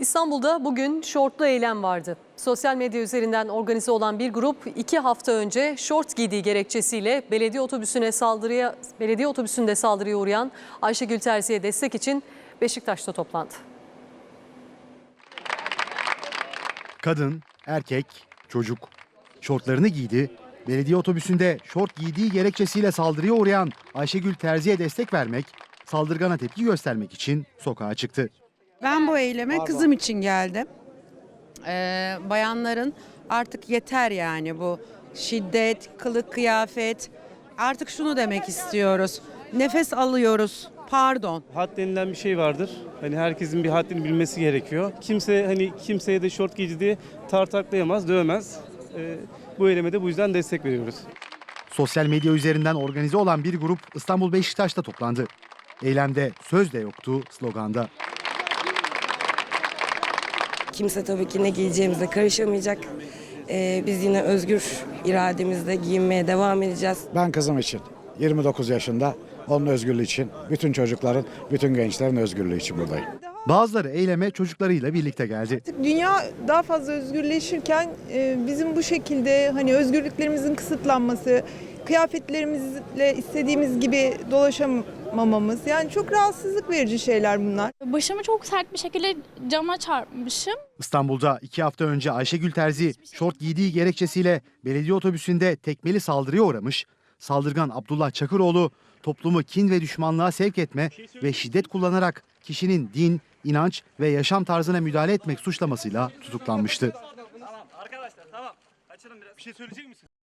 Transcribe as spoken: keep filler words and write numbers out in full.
İstanbul'da bugün şortlu eylem vardı. Sosyal medya üzerinden organize olan bir grup iki hafta önce şort giydiği gerekçesiyle belediye otobüsüne saldırıya belediye otobüsünde saldırıya uğrayan Ayşegül Terzi'ye destek için Beşiktaş'ta toplandı. Kadın, erkek, çocuk şortlarını giydi. Belediye otobüsünde şort giydiği gerekçesiyle saldırıya uğrayan Ayşegül Terzi'ye destek vermek, saldırgana tepki göstermek için sokağa çıktı. Ben bu eyleme kızım için geldim. Ee, bayanların artık yeter yani bu şiddet, kılık kıyafet. Artık şunu demek istiyoruz. Nefes alıyoruz. Pardon. Had denilen bir şey vardır. Hani herkesin bir haddini bilmesi gerekiyor. Kimse hani kimseye de şort giydi diye tartaklayamaz, dövemez. Ee, bu eyleme de bu yüzden destek veriyoruz. Sosyal medya üzerinden organize olan bir grup İstanbul Beşiktaş'ta toplandı. Eylemde söz de yoktu sloganda. Kimse tabii ki ne giyeceğimize karışamayacak. Ee, biz yine özgür irademizle giyinmeye devam edeceğiz. Ben kızım için yirmi dokuz yaşında, onun özgürlüğü için, bütün çocukların, bütün gençlerin özgürlüğü için buradayım. Bazıları eyleme çocuklarıyla birlikte geldi. Dünya daha fazla özgürleşirken e, bizim bu şekilde hani özgürlüklerimizin kısıtlanması, kıyafetlerimizle istediğimiz gibi dolaşamamamız, yani çok rahatsızlık verici şeyler bunlar. Başımı çok sert bir şekilde cama çarpmışım. İstanbul'da iki hafta önce Ayşegül Terzi şort giydiği gerekçesiyle belediye otobüsünde tekmeli saldırıya uğramış. Saldırgan Abdullah Çakıroğlu toplumu kin ve düşmanlığa sevk etme ve şiddet kullanarak kişinin din, inanç ve yaşam tarzına müdahale etmek suçlamasıyla tutuklanmıştı. Tamam arkadaşlar tamam. Açalım biraz. Bir şey söyleyecek misin?